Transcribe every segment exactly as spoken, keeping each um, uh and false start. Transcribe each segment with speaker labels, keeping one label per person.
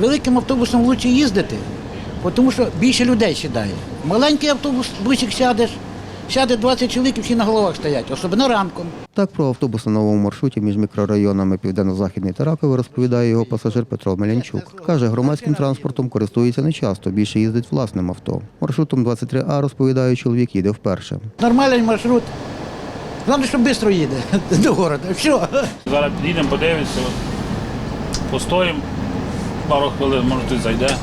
Speaker 1: великим автобусом краще їздити, тому що більше людей сідає. Маленький автобус, бусик сядеш, сяде двадцять чоловік і всі на головах стоять, особливо ранком.
Speaker 2: Так про автобус на новому маршруті між мікрорайонами Південно-Західний та Ракове розповідає його пасажир Петро Мелянчук. Каже, громадським транспортом користується нечасто, більше їздить власним авто. Маршрутом двадцять три А, розповідає, чоловік їде вперше.
Speaker 1: Нормальний маршрут. Головне, що швидко їде до міста. Все.
Speaker 3: Зараз підійдемо, подивимося, постоїмо пару хвилин, може хтось зайде.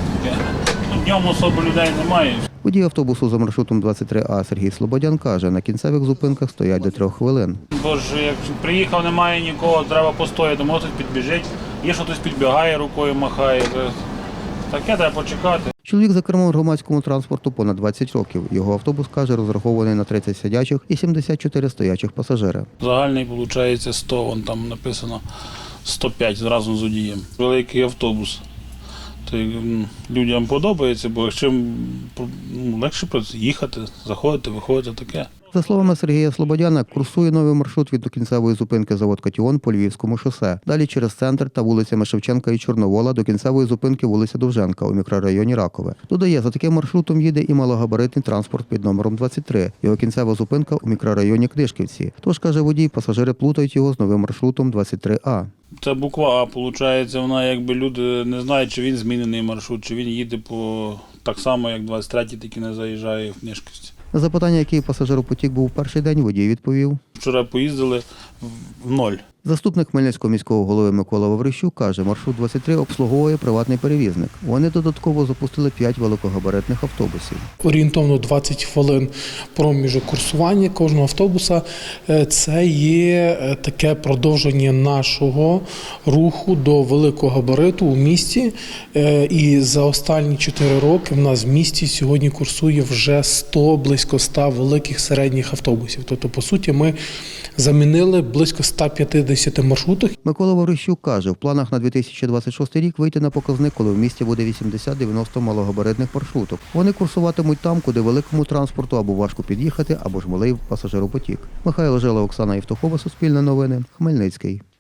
Speaker 3: Днем особо людей немає.
Speaker 2: Водій автобусу за маршрутом двадцять три А Сергій Слободян каже, на кінцевих зупинках стоять до трьох хвилин.
Speaker 3: Бо ж як приїхав, немає нікого, треба постояти, може хтось підбіжить, є що хтось підбігає, рукою махає. Таке треба почекати.
Speaker 2: Чоловік за кермом громадському транспорту понад двадцять років. Його автобус, каже, розрахований на тридцять сидячих і сімдесят чотири стоячих пасажири.
Speaker 3: Загальний, виходить, сто, вон там написано сто п'ять разом з водієм. Великий автобус. То людям подобається, бо чим ну, легше їхати, заходити, виходити, таке.
Speaker 2: За словами Сергія Слободяна, курсує новий маршрут від докінцевої зупинки завод «Катіон» по Львівському шосе. Далі через центр та вулицями Шевченка і Чорновола до кінцевої зупинки вулиця Довженка у мікрорайоні Ракове. Додає, за таким маршрутом їде і малогабаритний транспорт під номером двадцять три. Його кінцева зупинка у мікрорайоні Книжківці. Тож, каже водій, пасажири плутають його з новим маршрутом двадцять три А.
Speaker 3: Це буква А, виходить, вона якби люди не знають, чи він змінений маршрут, чи він їде по так само, як двадцять третій, тільки не заїжджає в Книжківці.
Speaker 2: На запитання, який пасажиропотік був в перший день, водій відповів.
Speaker 3: Вчора поїздили в ноль.
Speaker 2: Заступник Хмельницького міського голови Микола Ваврищук каже, маршрут двадцять три обслуговує приватний перевізник. Вони додатково запустили п'ять великогабаритних автобусів.
Speaker 4: Орієнтовно двадцять хвилин проміжок курсування кожного автобуса. Це є таке продовження нашого руху до великого габариту у місті. І за останні чотири роки в нас в місті сьогодні курсує вже сто, близько ста великих середніх автобусів. Тобто, по суті, ми замінили близько ста п'ятдесят маршрутах.
Speaker 2: Микола Ваврищук каже, в планах на дві тисячі двадцять шостий рік вийти на показник, коли в місті буде вісімдесят-дев'яносто малогабаритних маршруток. Вони курсуватимуть там, куди великому транспорту або важко під'їхати, або ж малий пасажиропотік. Михайло Жила, Оксана Євтухова, Суспільне новини, Хмельницький.